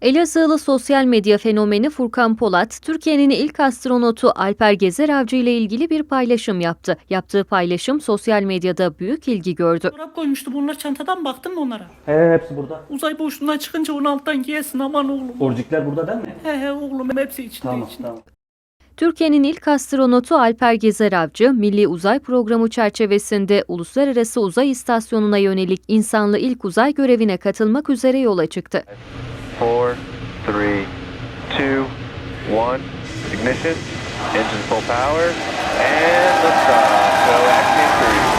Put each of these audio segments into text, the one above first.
Elazığlı sosyal medya fenomeni Furkan Polat, Türkiye'nin ilk astronotu Alper Gezer Avcı ile ilgili bir paylaşım yaptı. Yaptığı paylaşım sosyal medyada büyük ilgi gördü. Çorap koymuştu, bunlar çantadan, baktın mı onlara? Hepsi burada. Uzay boşluğundan çıkınca onu alttan giyesin, aman oğlum. Orcikler burada değil mi? He oğlum, hepsi içinde. Tamam içinde. tamam. Türkiye'nin ilk astronotu Alper Gezer Avcı, Milli Uzay Programı çerçevesinde Uluslararası Uzay İstasyonu'na yönelik insanlı ilk uzay görevine katılmak üzere yola çıktı. 4, 3, 2, 1, ignition, engine full power, and liftoff. So active cruise.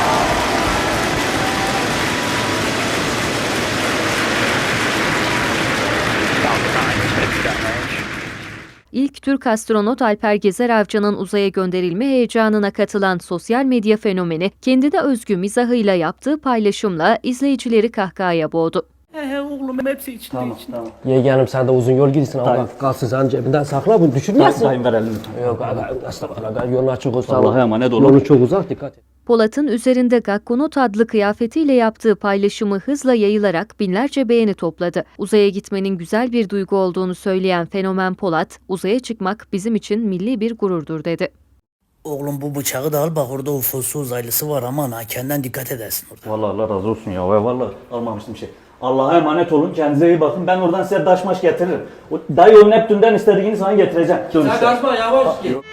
İlk Türk astronot Alper Gezer Avcı'nın uzaya gönderilme heyecanına katılan sosyal medya fenomeni, kendine özgü mizahıyla yaptığı paylaşımla izleyicileri kahkahaya boğdu. He oğlum, hepsi içinde. Tamam içinde. tamam. Yeğenim sen de uzun yol gidiyorsun ama kalsın sen cebinden sakla bunu düşürmesin. Dayım ver elini. Yok aga estağfurullah yolun açık olsa Allah'a emanet olun. Yolu çok uzak dikkat et. Polat'ın üzerinde Gakkonot adlı kıyafetiyle yaptığı paylaşımı hızla yayılarak binlerce beğeni topladı. Uzaya gitmenin güzel bir duygu olduğunu söyleyen fenomen Polat, uzaya çıkmak bizim için milli bir gururdur dedi. Oğlum bu bıçağı da al, bak orada UFO'su uzaylısı var, aman ha, kendinden dikkat edersin orada. Vallahi Allah razı olsun ya. Vallahi almamıştım şey. Allah'a emanet olun. Kendinize iyi bakın. Ben oradan size taş maş getiririm. O dayı o Neptün'den istediğini sana getireceğim. Sen kaçma yavaş git.